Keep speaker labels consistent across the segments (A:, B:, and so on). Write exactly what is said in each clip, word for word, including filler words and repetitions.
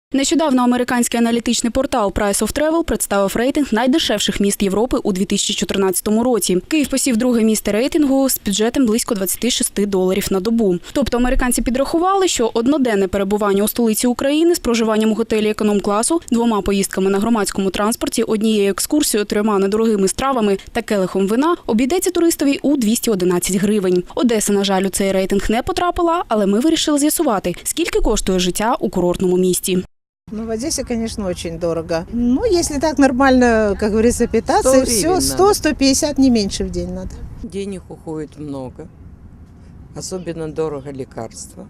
A: Нещодавно американський аналітичний портал Price of Travel представив рейтинг найдешевших міст Європи у дві тисячі чотирнадцятому році. Київ посів друге місце рейтингу з бюджетом близько двадцять шість доларів на добу. Тобто американці підрахували, що одноденне перебування у столиці України з проживанням у готелі економ-класу, двома поїздками на громадському транспорті, однією екскурсією, трьома недорогими стравами та келихом вина обійдеться туристові у двісті одинадцять гривень. Одеса, на жаль, у цей рейтинг не потрапила, але ми вирішили з'ясувати, скільки коштує життя у курортному місті.
B: Ну, в Одессе, конечно, очень дорого. Ну, если так нормально, как говорится, питаться, и все, сто - сто пятьдесят, не меньше в день надо.
C: Денег уходит много. Особенно дорого лекарства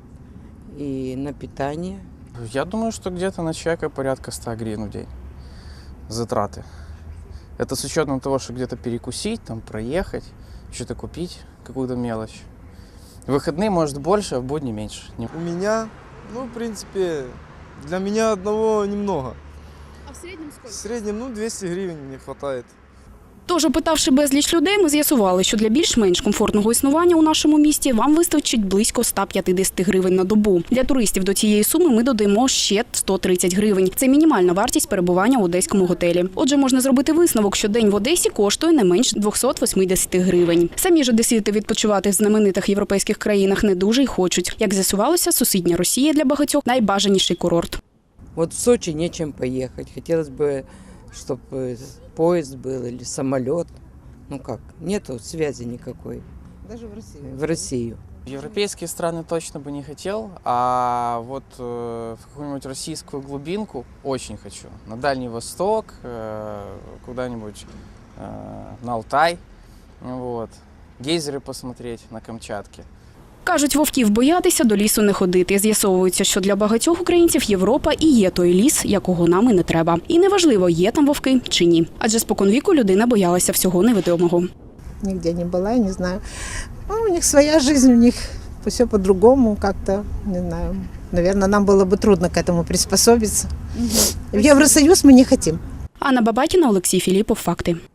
C: и на питание.
D: Я думаю, что где-то на человека порядка ста гривен в день затраты. Это с учетом того, что где-то перекусить, там проехать, что-то купить, какую-то мелочь. В выходные может больше, а в будни меньше.
E: У меня, ну, в принципе, для меня одного немного.
A: А в среднем сколько?
E: В среднем, ну, двести гривен мне хватает.
A: Тож, опитавши безліч людей, ми з'ясували, що для більш-менш комфортного існування у нашому місті вам вистачить близько ста п'ятдесят гривень на добу. Для туристів до цієї суми ми додаємо ще сто тридцять гривень. Це мінімальна вартість перебування у одеському готелі. Отже, можна зробити висновок, що день в Одесі коштує не менш двісті вісімдесят гривень. Самі ж одесити відпочивати в знаменитих європейських країнах не дуже й хочуть. Як з'ясувалося, сусідня Росія для багатьох – найбажаніший курорт.
C: Вот в Сочи нечем поехать. Хотелось бы, чтобы поезд был или самолет. Ну как, нету связи никакой.
B: Даже в России.
C: В Россию.
D: В европейские страны точно бы не хотел, а вот э, в какую-нибудь российскую глубинку очень хочу. На Дальний Восток, э, куда-нибудь э, на Алтай, вот. Гейзеры посмотреть на Камчатке.
A: Кажуть, вовків боятися, до лісу не ходити. З'ясовується, що для багатьох українців Європа і є той ліс, якого нам і не треба. І неважливо, є там вовки чи ні. Адже споконвіку людина боялася всього невідомого.
B: Нигде не была, не знаю. Ну, у них своя жизнь, у них все по-другому как-то, не знаю. Наверное, нам было бы трудно к этому приспособиться. В Евросоюз мы не хотим.
A: Анна Бабакіна, Олексій Філіпов. Факти.